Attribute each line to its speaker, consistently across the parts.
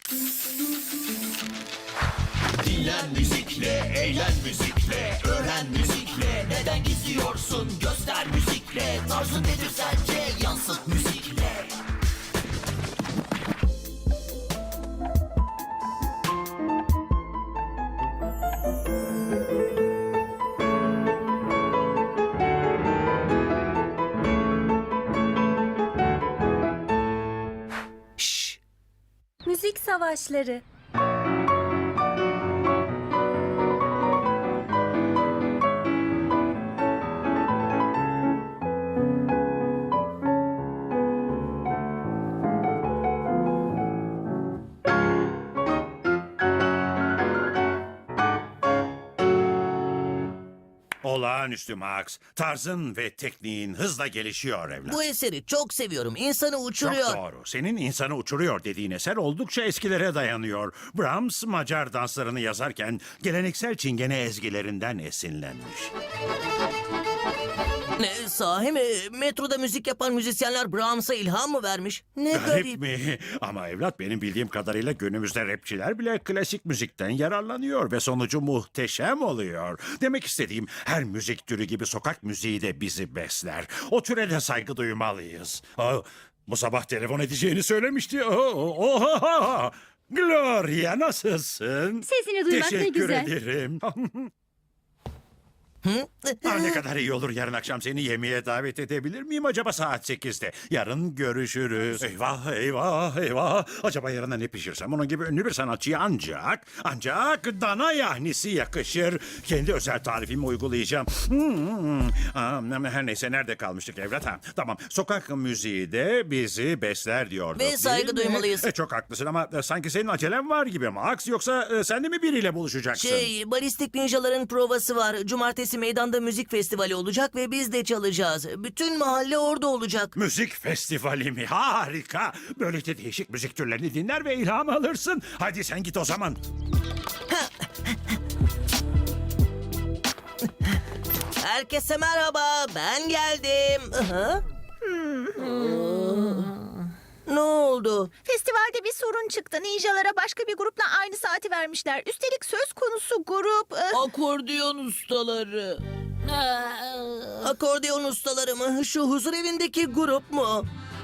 Speaker 1: Dinlen müzikle, eğlen müzikle, öğren müzikle. Neden gizliyorsun? Göster müzikle. Tarzın nedir sence? Yansıt müzikle.
Speaker 2: Şşş!
Speaker 3: Müzik savaşları.
Speaker 4: Olağanüstü Max. Tarzın ve tekniğin hızla gelişiyor evlat.
Speaker 2: Bu eseri çok seviyorum. İnsanı
Speaker 4: Çok
Speaker 2: uçuruyor.
Speaker 4: doğru. Senin insanı uçuruyor dediğin eser oldukça eskilere dayanıyor. Brahms Macar danslarını yazarken geleneksel Çingene ezgilerinden esinlenmiş.
Speaker 2: Ne sahi mi? Metroda müzik yapan müzisyenler Brahms'a ilham mı vermiş? Ne
Speaker 4: Garip
Speaker 2: garip.
Speaker 4: mi? Ama evlat benim bildiğim kadarıyla günümüzde rapçiler bile klasik müzikten yararlanıyor ve sonucu muhteşem oluyor. Demek istediğim her müzik türü gibi sokak müziği de bizi besler. O türe de saygı duymalıyız. Bu sabah telefon edeceğini söylemişti. Gloria nasılsın?
Speaker 5: Sesini duymak ne
Speaker 4: Teşekkür
Speaker 5: güzel.
Speaker 4: ederim. Ne kadar iyi olur yarın akşam seni yemeğe davet edebilir miyim acaba saat 8'de? Yarın görüşürüz. Eyvah eyvah eyvah. Acaba yarına ne pişirsem onun gibi ünlü bir sanatçıya ancak dana yahnisi yakışır. Kendi özel tarifimi uygulayacağım. Her neyse nerede kalmıştık evlat? Tamam sokak müziği de bizi besler diyorduk.
Speaker 2: Ve saygı
Speaker 4: değil mi?
Speaker 2: duymalıyız.
Speaker 4: Çok haklısın ama sanki senin acelen var gibi Max. Yoksa sen de mi biriyle buluşacaksın?
Speaker 2: Balistik Ninjaların provası var. Cumartesi meydanda müzik festivali olacak ve biz de çalacağız. Bütün mahalle orada olacak.
Speaker 4: Müzik festivali mi? Harika. Böylece değişik müzik türlerini dinler ve ilham alırsın. Hadi sen git o zaman.
Speaker 2: Herkese merhaba. Ben geldim. Aha. Ne oldu?
Speaker 6: Festivalde bir sorun çıktı. Ninjalara başka bir grupla aynı saati vermişler. Üstelik söz konusu grup...
Speaker 7: Akordeon ustaları.
Speaker 2: Akordeon ustaları mı? Şu huzur evindeki grup mu?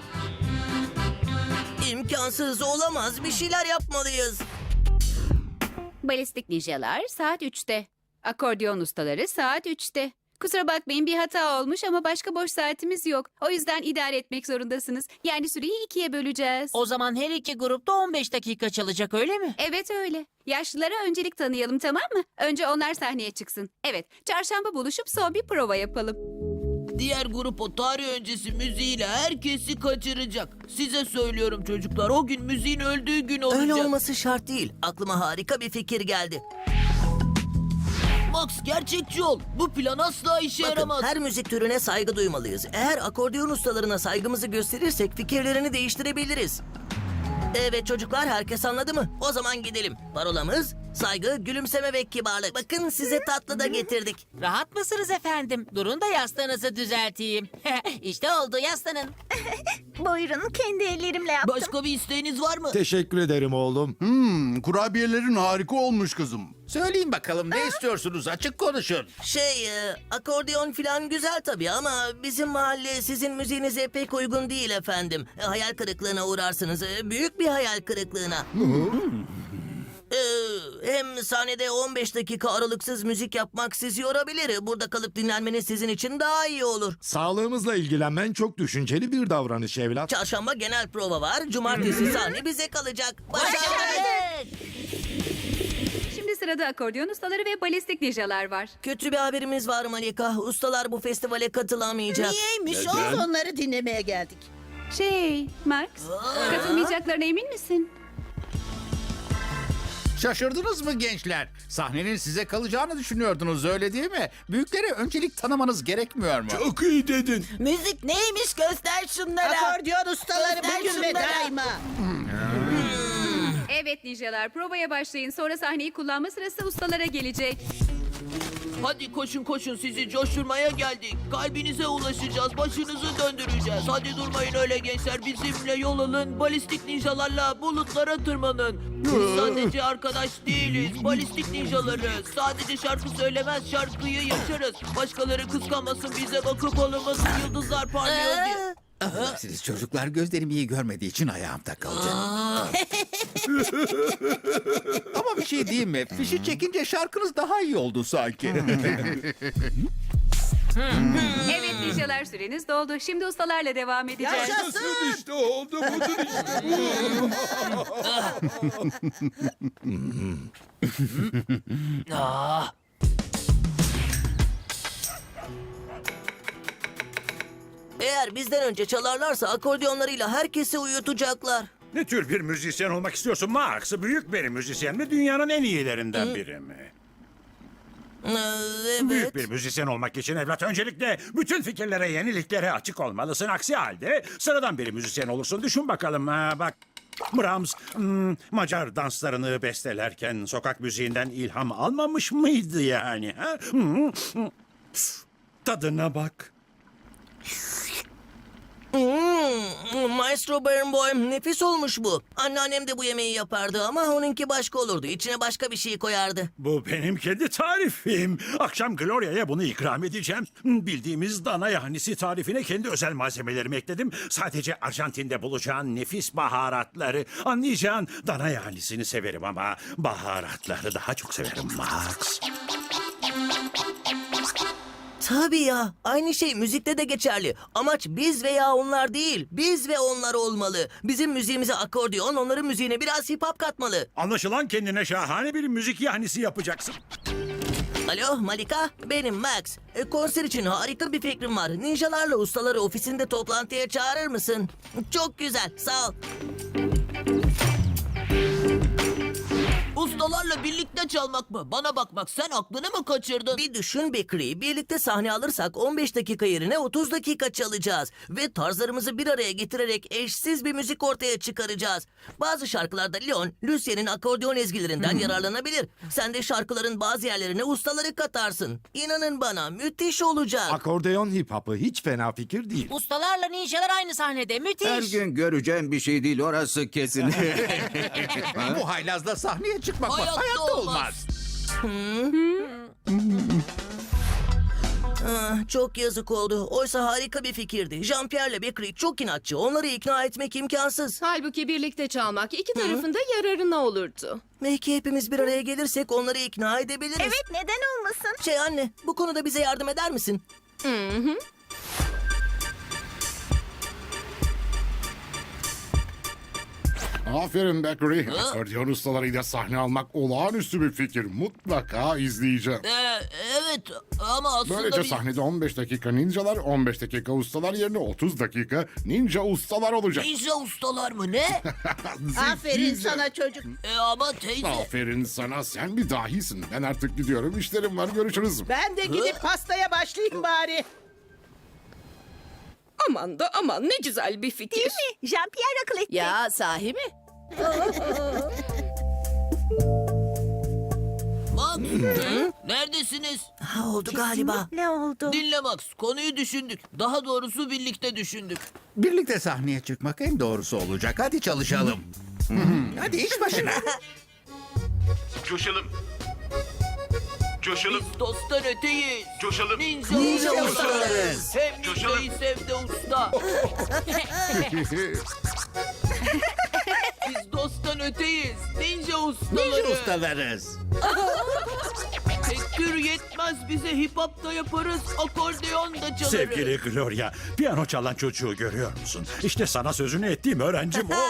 Speaker 2: İmkansız olamaz. Bir şeyler yapmalıyız.
Speaker 5: Balistik ninjalar saat 3'te. Akordeon ustaları saat 3'te. Kusura bakmayın bir hata olmuş ama başka boş saatimiz yok. O yüzden idare etmek zorundasınız. Yani süreyi 2'ye böleceğiz.
Speaker 7: O zaman her iki grupta 15 dakika çalacak öyle mi?
Speaker 5: Evet öyle. Yaşlılara öncelik tanıyalım tamam mı? Önce onlar sahneye çıksın. Evet, çarşamba buluşup son bir prova yapalım.
Speaker 7: Diğer grup o tarih öncesi müziğiyle herkesi kaçıracak. Size söylüyorum çocuklar, o gün müziğin öldüğü gün olacak.
Speaker 2: Öyle olması şart değil. Aklıma harika bir fikir geldi.
Speaker 7: Max gerçekçi ol. Bu plan asla işe
Speaker 2: Bakın
Speaker 7: yaramaz.
Speaker 2: her müzik türüne saygı duymalıyız. Eğer akordeon ustalarına saygımızı gösterirsek fikirlerini değiştirebiliriz. Evet çocuklar herkes anladı mı? O zaman gidelim. Parolamız saygı, gülümseme ve kibarlık. Bakın size tatlı da getirdik.
Speaker 8: Rahat mısınız efendim? Durun da yastığınızı düzelteyim. İşte oldu yaslanın.
Speaker 6: Buyurun kendi ellerimle yaptım.
Speaker 7: Başka bir isteğiniz var mı?
Speaker 9: Teşekkür ederim oğlum.
Speaker 10: Kurabiyelerin harika olmuş kızım.
Speaker 11: Söyleyin bakalım ne istiyorsunuz? Açık konuşun.
Speaker 2: Akordeon falan güzel tabii ama bizim mahalle sizin müziğinize pek uygun değil efendim. Hayal kırıklığına uğrarsınız. Büyük bir hayal kırıklığına. Hem sahnede 15 dakika aralıksız müzik yapmak sizi yorabilir. Burada kalıp dinlenmeniz sizin için daha iyi olur.
Speaker 9: Sağlığımızla ilgilenmen çok düşünceli bir davranış evlat.
Speaker 2: Çarşamba genel prova var. Cumartesi sahne bize kalacak. Başardık.
Speaker 5: Şimdi sırada akordeon ustaları ve balistik ninjalar var.
Speaker 2: Kötü bir haberimiz var Malika. Ustalar bu festivale katılamayacak.
Speaker 7: Niyeymiş?
Speaker 6: Onları dinlemeye geldik.
Speaker 5: Max, katılmayacaklarına emin misin?
Speaker 11: Şaşırdınız mı gençler? Sahnenin size kalacağını düşünüyordunuz öyle değil mi? Büyüklere öncelik tanımanız gerekmiyor mu?
Speaker 10: Çok iyi dedin.
Speaker 7: Müzik neymiş göster şunlara.
Speaker 6: Akordeon ustaları bugün ve daima.
Speaker 5: Evet ninjalar provaya başlayın. Sonra sahneyi kullanma sırası ustalara gelecek.
Speaker 7: Hadi koşun koşun, sizi coşturmaya geldik. Kalbinize ulaşacağız, başınızı döndüreceğiz. Hadi durmayın öyle gençler, bizimle yol alın. Balistik ninjalarla bulutlara tırmanın. Biz sadece arkadaş değiliz, balistik ninjalarız. Sadece şarkı söylemez, şarkıyı yaşarız. Başkaları kıskanmasın, bize bakıp olmasın, yıldızlar parlıyor diye.
Speaker 11: Siz çocuklar gözlerim iyi görmediği için ayağımda kaldı. Ama bir şey diyeyim mi? Fişi çekince şarkınız daha iyi oldu sanki.
Speaker 5: Evet ninjalar, süreniz doldu. Şimdi ustalarla devam edeceğiz.
Speaker 10: İşte oldu budur işte bu.
Speaker 2: Eğer bizden önce çalarlarsa akordiyonlarıyla herkesi uyutacaklar.
Speaker 4: Ne tür bir müzisyen olmak istiyorsun Max? Büyük bir müzisyen mi? Dünyanın en iyilerinden biri mi?
Speaker 2: Evet.
Speaker 4: Büyük bir müzisyen olmak için evlat öncelikle bütün fikirlere, yeniliklere açık olmalısın. Aksi halde sıradan bir müzisyen olursun. Düşün bakalım. Bak Brahms Macar danslarını bestelerken sokak müziğinden ilham almamış mıydı yani? Ha? Tadına bak.
Speaker 2: Maestro Barenboim, nefis olmuş bu. Anneannem de bu yemeği yapardı ama onunki başka olurdu. İçine başka bir şey koyardı.
Speaker 4: Bu benim kendi tarifim. Akşam Gloria'ya bunu ikram edeceğim. Bildiğimiz dana yahnisi tarifine kendi özel malzemelerimi ekledim. Sadece Arjantin'de bulacağın nefis baharatları. Anlayacağın dana yahnisini severim ama baharatları daha çok severim Max.
Speaker 2: Tabii ya. Aynı şey müzikte de geçerli. Amaç biz veya onlar değil. Biz ve onlar olmalı. Bizim müziğimize akordeon, onların müziğine biraz hip hop katmalı.
Speaker 4: Anlaşılan kendine şahane bir müzik yahnisi yapacaksın.
Speaker 2: Alo Malika, benim Max. Konser için harika bir fikrim var. Ninjalarla ustaları ofisinde toplantıya çağırır mısın? Çok güzel, sağ ol.
Speaker 7: Ustalarla birlikte çalmak mı? Bana bakmak, sen aklını mı kaçırdın?
Speaker 2: Bir düşün Bekri, birlikte sahne alırsak 15 dakika yerine 30 dakika çalacağız. Ve tarzlarımızı bir araya getirerek eşsiz bir müzik ortaya çıkaracağız. Bazı şarkılarda Leon, Lucien'in akordeon ezgilerinden yararlanabilir. Sen de şarkıların bazı yerlerine ustaları katarsın. İnanın bana, müthiş olacak.
Speaker 9: Akordeon hip hop'ı hiç fena fikir değil.
Speaker 8: Ustalarla ninjalar aynı sahnede. Müthiş.
Speaker 10: Her gün göreceğim bir şey değil orası kesin.
Speaker 11: Bu haylazla sahneye çıkmak var.
Speaker 7: Hayatta
Speaker 11: Hayatta
Speaker 7: olmaz.
Speaker 2: Çok yazık oldu. Oysa harika bir fikirdi. Jean-Pierre'le Bekri çok inatçı. Onları ikna etmek imkansız.
Speaker 12: Halbuki birlikte çalmak iki tarafın da yararına olurdu.
Speaker 2: Belki hepimiz bir araya gelirsek onları ikna edebiliriz.
Speaker 6: Evet, neden olmasın?
Speaker 2: Anne, bu konuda bize yardım eder misin?
Speaker 10: Aferin Beckery. Akordeon ustalarıyla sahne almak olağanüstü bir fikir. Mutlaka izleyeceğim.
Speaker 7: Evet ama aslında
Speaker 10: Böylece sahnede 15 dakika ninjalar, 15 dakika ustalar yerine 30 dakika ninja ustalar olacak.
Speaker 7: ninja ustalar mı ne?
Speaker 6: Aferin sana çocuk.
Speaker 7: Ama teyze.
Speaker 10: Aferin sana, sen bir dahisin. Ben artık gidiyorum, işlerim var, görüşürüz.
Speaker 6: Ben de gidip pastaya başlayayım bari.
Speaker 12: Aman da aman, ne güzel bir fikir.
Speaker 6: Değil mi? Jean-Pierre akıl etti.
Speaker 12: Ya sahi mi?
Speaker 7: Max, neredesiniz?
Speaker 2: Oldu galiba.
Speaker 6: Ne oldu?
Speaker 7: Dinle Max, konuyu düşündük. Daha doğrusu birlikte düşündük.
Speaker 11: Birlikte sahneye çıkmak en doğrusu olacak. Hadi çalışalım. Hadi iş başına.
Speaker 10: Coşalım. Coşalım.
Speaker 7: Biz dosttan öteyiz.
Speaker 10: Coşalım.
Speaker 7: Ninja
Speaker 2: ustalarız.
Speaker 7: Hem ninjayı sev de usta. Biz dosttan öteyiz. Ninja ustaları.
Speaker 11: Ninja ustalarız.
Speaker 7: Tek tür yetmez bize, hip hop da yaparız, akordeon da çalarız.
Speaker 4: Sevgili Gloria, piyano çalan çocuğu görüyor musun? İşte sana sözünü ettiğim öğrencim o.